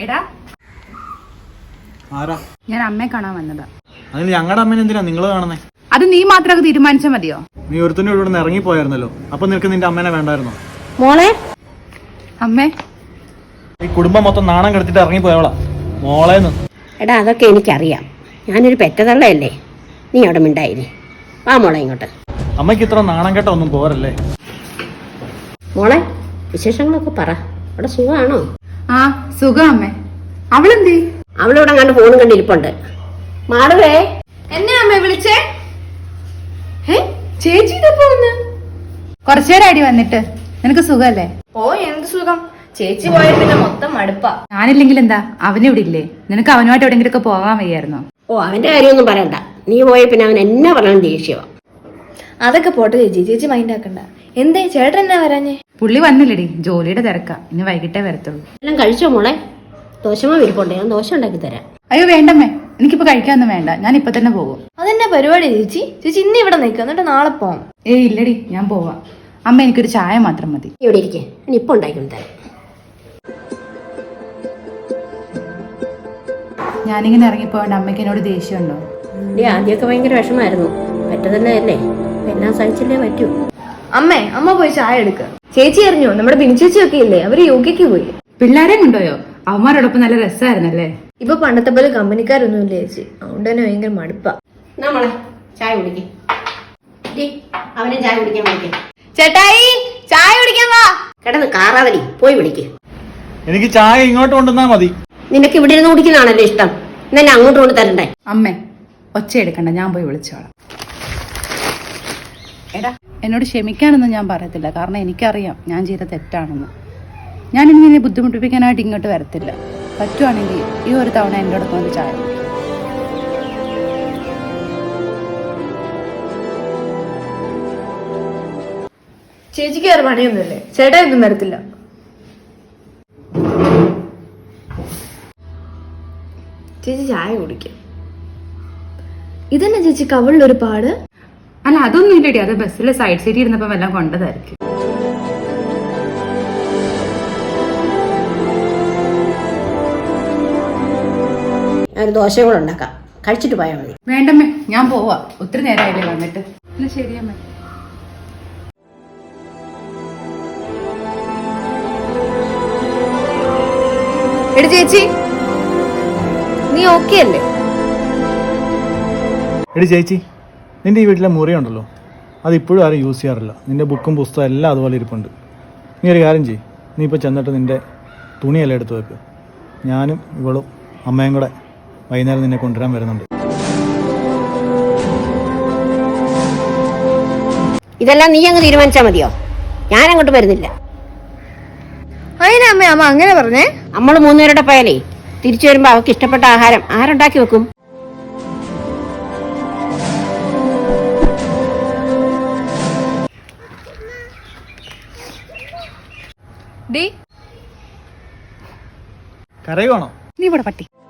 എടാ ഞാൻ അമ്മയെ കാണാൻ വന്നതാ. അതിന് ഞങ്ങളുടെ അമ്മേനെ എന്തിനാ നിങ്ങൾ കാണുന്നേ? അത് നീ മാത്രമൊക്കെ തീരുമാനിച്ചാൽ മതിയോ? നീ ഒരുത്തനും ഇവിടെ നിന്ന് ഇറങ്ങിപ്പോയായിരുന്നല്ലോ, അപ്പൊ നിനക്ക് നിന്റെ അമ്മേനെ വേണ്ടായിരുന്നോ? മോളെ അമ്മേ, ഈ കുടുംബം മൊത്തം നാണം കെടുത്തിട്ട് ഇറങ്ങിപ്പോയവളാ മോളേന്ന്. എടാ അതൊക്കെ എനിക്കറിയാം, ഞാനൊരു പെറ്റതള്ളയല്ലേ. നീ അവിടെ മിണ്ടായില്ലേ. വാ മോളെ ഇങ്ങോട്ട്. അമ്മയ്ക്ക് ഇത്ര നാണം കെട്ട ഒന്നും പോരല്ലേ. മോളെ വിശേഷങ്ങളൊക്കെ പറ. അവിടെ സുഖമാണോ? ആ സുഖം അമ്മേ. അവളെന്തേ? അവളിവിടെ കണ്ട് ഫോണും കണ്ടിരിപ്പുണ്ട്. മാടവേ, എന്നെ അമ്മ വിളിച്ചേ? ചേച്ചി ഇതപ്പോ വന്ന് കുറച്ചേരം അടി വന്നിട്ട്. നിനക്ക് സുഖല്ലേ? ഓ എന്ത് സുഖം, ചേച്ചി പോയ പിന്നെ മൊത്തം മടുപ്പാ. ഞാനില്ലെങ്കിൽ എന്താ, അവനിവിടെ ഇല്ലേ? നിനക്ക് അവനുമായിട്ട് എവിടെയെങ്കിലും ഒക്കെ പോകാൻ വയ്യായിരുന്നോ? ഓ അവന്റെ കാര്യമൊന്നും പറയണ്ട. നീ പോയ പിന്നെ അവൻ എന്നെ പറയാൻ ദേഷ്യവാ. അതൊക്കെ പോട്ടെ ചേച്ചി, ചേച്ചി മൈൻഡ് ആക്കണ്ട. എന്തേ ചേട്ടൻ എന്നാ വരാഞ്ഞേ? പുള്ളി വന്നില്ലടി, ജോലിയുടെ തിരക്കാ. ഇനി വൈകിട്ടേ വരത്തുള്ളൂ. എല്ലാം കഴിച്ചോ മോളെ? ദോശമാ വിരിപ്പുണ്ട്, ഞാൻ ദോശ ഉണ്ടാക്കി തരാം. അയ്യോ വേണ്ടമ്മേ, എനിക്കിപ്പോ കഴിക്കാനൊന്നും വേണ്ട. ഞാൻ ഇപ്പൊ തന്നെ പോകും. അതെന്നാ പരിപാടി ചേച്ചി? ചേച്ചി ഇന്ന് ഇവിടെ നിൽക്കുക, എന്നിട്ട് നാളെ പോവാം. ഏയ് ഇല്ലടി, ഞാൻ പോവാം. അമ്മ എനിക്കൊരു ചായ മാത്രം മതി. ഇവിടെ ഇരിക്കേ, ഞാൻ ഇപ്പൊ ഉണ്ടാക്കി തരാം. ഞാനിങ്ങനെ ഇറങ്ങിപ്പോയോണ്ട് അമ്മയ്ക്ക് എന്നോട് ദേഷ്യമുണ്ടോ? ആദ്യമൊക്കെ ഭയങ്കര വിഷമായിരുന്നു. പെറ്റതല്ലേ, എല്ലാം സഹിച്ചല്ലേ പറ്റൂ. അമ്മ പോയി ചായ എടുക്ക. ചേച്ചി അറിഞ്ഞോ, നമ്മുടെ ബിൻചേച്ചിയൊക്കെ ഇല്ലേ, അവര് യോഗയ്ക്ക് പോയി. പിള്ളേരെ കൊണ്ടുപോയോ? അവന്മാരോടൊപ്പം നല്ല രസമായിരുന്നല്ലേ. ഇപ്പൊ പണ്ടത്തെ പോലെ കമ്പനിക്കാരൊന്നും ഇല്ല ചേച്ചി, അതുകൊണ്ട് തന്നെ ഭയങ്കര മടുപ്പാ. നമ്മളെ ചായ കുടിക്കേ, അവനെ ചായ കുടിക്കാൻ വിളിക്കേ. ചേട്ടായി ചായ കുടിക്കാൻ വാ. കിടന്ന് കാറാവലി, പോയി വിളിക്കേ. എനിക്ക് ചായ ഇങ്ങോട്ട് കൊണ്ടുവന്നാ മതി. നിനക്ക് ഇവിടെ ഇരുന്ന് കുടിക്കുന്നതാണല്ലോ ഇഷ്ടം, എന്നെ അങ്ങോട്ട് കൊണ്ട് തരണ്ടേ? അമ്മേ ഒച്ച എടുക്കണ്ട, ഞാൻ പോയി വിളിച്ചോളാം. എടാ എന്നോട് ക്ഷമിക്കാനൊന്നും ഞാൻ പറയത്തില്ല, കാരണം എനിക്കറിയാം ഞാൻ ചെയ്ത തെറ്റാണെന്ന്. ഞാനിനി നിന്നെ ബുദ്ധിമുട്ടിപ്പിക്കാനായിട്ട് ഇങ്ങോട്ട് വരത്തില്ല. പറ്റുവാണെങ്കിൽ ഈ ഒരു തവണ എൻ്റെ അടുത്ത് വന്ന് ചായ. ചേച്ചിക്ക് വേറെ പണിയൊന്നുമില്ലേ? ചേട്ടായി ഒന്നും വരത്തില്ല. ചേച്ചി ചായ കുടിക്കും. ഇതന്നെ ചേച്ചി കവളിലൊരു പാട്? അല്ല അതൊന്നും ഇല്ലടി, അത് ബസ്സിലെ സൈഡ് സീറ്റ് ഇരുന്നപ്പോ എല്ലാം കൊണ്ടതായിരിക്കും. ഒരു ദോശ കൂടെ ഉണ്ടാക്കാം, കഴിച്ചിട്ട് പോയാൽ മതി. വേണ്ടമ്മേ, ഞാൻ പോവാ. ഒത്തിരി നേരമായില്ലേ വന്നിട്ട്. എന്നാ ശരിയമ്മേ. എടി ചേച്ചി, നീ ഓക്കെ അല്ലേ? എടി ചേച്ചി, നിന്റെ ഈ വീട്ടിലെ മുറിയുണ്ടല്ലോ, അത് ഇപ്പോഴും ആരും യൂസ് ചെയ്യാറില്ല. നിന്റെ ബുക്കും പുസ്തകം എല്ലാം അതുപോലെ ഇരിപ്പുണ്ട്. നീ ഒരു കാര്യം ചെയ്യ്, നീ ഇപ്പോൾ ചെന്നിട്ട് നിന്റെ തുണിയെല്ലാം എടുത്ത് വെക്ക്. ഞാനും ഇവളും അമ്മയും കൂടെ വൈകുന്നേരം നിന്നെ കൊണ്ടുവരാൻ വരുന്നുണ്ട്. ഇതെല്ലാം നീ അങ്ങ് തീരുമാനിച്ചാൽ മതിയോ? ഞാൻ അങ്ങോട്ട് വരുന്നില്ല. അതിനെ അമ്മ അങ്ങനെ പറഞ്ഞേ? നമ്മൾ മൂന്നുപേരുടെ പോയാലേ തിരിച്ചു വരുമ്പോ അവർക്ക് ഇഷ്ടപ്പെട്ട ആഹാരം ആരുണ്ടാക്കി വെക്കും? കരയുവാണോ? നീ ഇവിടെ പട്ടി.